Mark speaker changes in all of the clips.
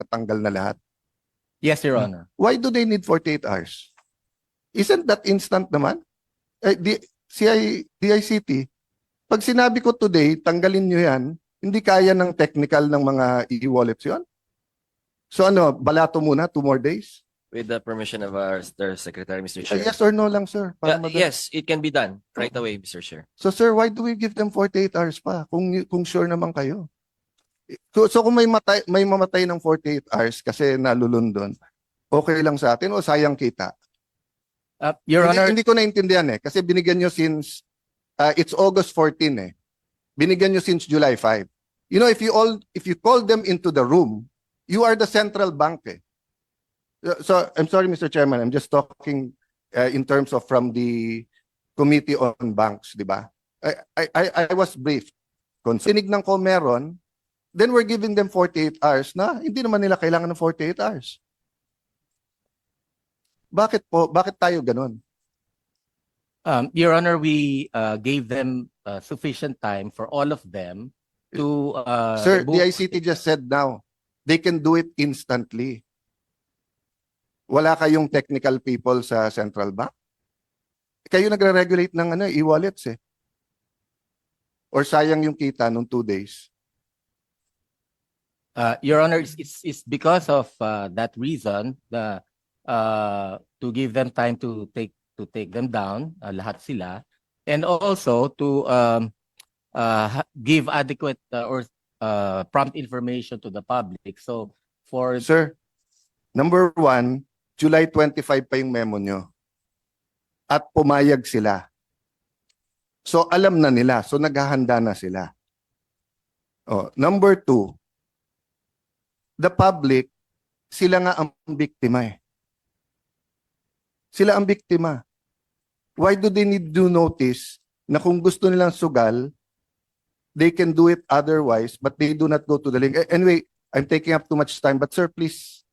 Speaker 1: natanggal na lahat?
Speaker 2: Yes, Your Honor.
Speaker 1: Why do they need 48 hours? Isn't that instant naman? DICT, pag sinabi ko today, tanggalin nyo yan, hindi kaya ng technical ng mga e-wallets yun? So ano, balato muna, 2 more days?
Speaker 3: With the permission of our Secretary, Mr. Chair.
Speaker 1: Yes or no lang, sir? Para madali.
Speaker 3: Yes, it can be done right away, Mr. Chair.
Speaker 1: So sir, why do we give them 48 hours pa kung sure naman kayo? So kung may mamatay ng 48 hours kasi nalulundon, okay lang sa atin o sayang kita?
Speaker 2: Your Honor,
Speaker 1: Hindi ko naintindihan kasi binigyan nyo since it's August 14 Binigyan nyo since July 5. You know, if you call them into the room, you are the central bank So I'm sorry, Mr. Chairman, I'm just talking in terms of from the Committee on Banks, di ba? I was briefed. Kung sinignan ko meron, then we're giving them 48 hours na hindi naman nila kailangan ng 48 hours. Bakit po? Bakit tayo ganun?
Speaker 2: Your Honor, we gave them sufficient time for all of them to
Speaker 1: Sir,
Speaker 2: remove-
Speaker 1: the ICT just said now, they can do it instantly. Wala kayong technical people sa central bank? Kayo nagre-regulate ng e-wallets Or sayang yung kita nung 2 days?
Speaker 2: Your Honor, it's because of that reason to give them time to take them down, lahat sila, and also to give adequate or prompt information to the public. So for
Speaker 1: Sir, number 1, July 25 pa yung memo nyo. At pumayag sila. So alam na nila. So naghahanda na sila. Number 2, the public, sila nga ang biktima Sila ang biktima. Why do they need to notice na kung gusto nilang sugal, they can do it otherwise, but they do not go to the link. Anyway, I'm taking up too much time, but sir, please,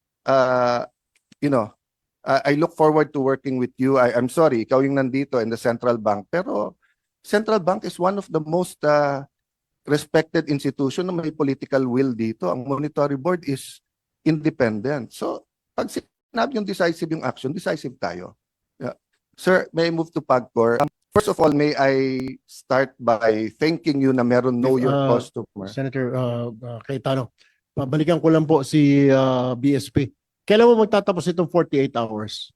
Speaker 1: I look forward to working with you. I'm sorry, ikaw yung nandito in the central bank, pero central bank is one of the most respected institution na may political will dito. Ang monetary board is independent. So, pag sinabi yung decisive yung action, decisive tayo. Yeah. Sir, may I move to PAGCOR? First of all, may I start by thanking you na meron know your customer.
Speaker 4: Senator Cayetano, pabalikan ko lang po si BSP. Kailan mo magtatapos itong 48 hours?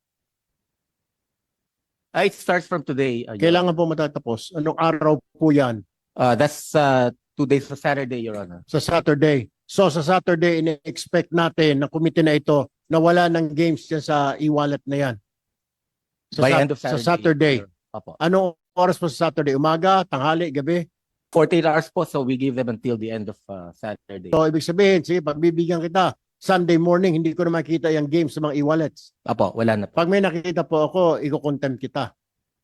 Speaker 2: it starts from today. Your
Speaker 4: Kailangan po matatapos. Anong araw po yan?
Speaker 2: That's 2 days sa Saturday, Your Honor.
Speaker 4: Sa Saturday. So sa Saturday, ina-expect natin na committee na ito na wala ng games dyan sa e-wallet na yan.
Speaker 2: By end of
Speaker 4: Sa
Speaker 2: Saturday.
Speaker 4: Saturday.
Speaker 2: Opo.
Speaker 4: Anong oras po sa Saturday? Umaga, tanghali, gabi?
Speaker 2: 48 hours po, so we give them until the end of Saturday.
Speaker 4: So ibig sabihin, sige, pagbibigyan kita, Sunday morning, hindi ko na makita yung games sa mga e-wallets.
Speaker 2: Opo, wala na po.
Speaker 4: Pag may nakikita po ako, i-contempt kita.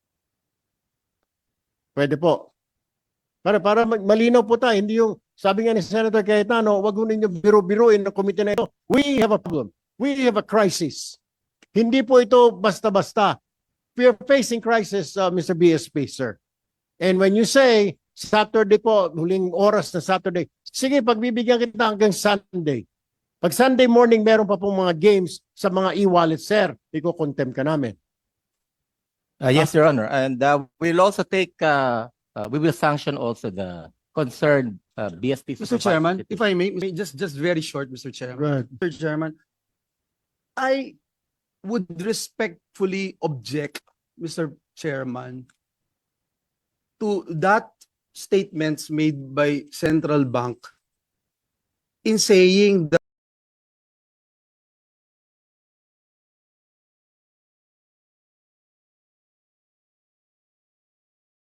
Speaker 4: Pwede po. Para malinaw po tayo, hindi yung, sabi nga ni Senator Cayetano, wag ho ninyo biro-biruin ng komite na ito. We have a problem. We have a crisis. Hindi po ito basta-basta. We are facing crisis, Mr. BSP, sir. And when you say, Saturday po, huling oras na Saturday, sige, pagbibigyan kita hanggang Sunday. Pag Sunday morning, meron pa pong mga games sa mga e-wallet, sir, iko-contempt ka namin.
Speaker 2: Yes, Your Honor. And we'll also take, we will sanction also the concerned BSP.
Speaker 5: Mr. Chairman, if I may, just very short, Mr. Chairman.
Speaker 4: Right.
Speaker 5: Mr. Chairman, I would respectfully object, Mr. Chairman, to that statements made by Central Bank in saying that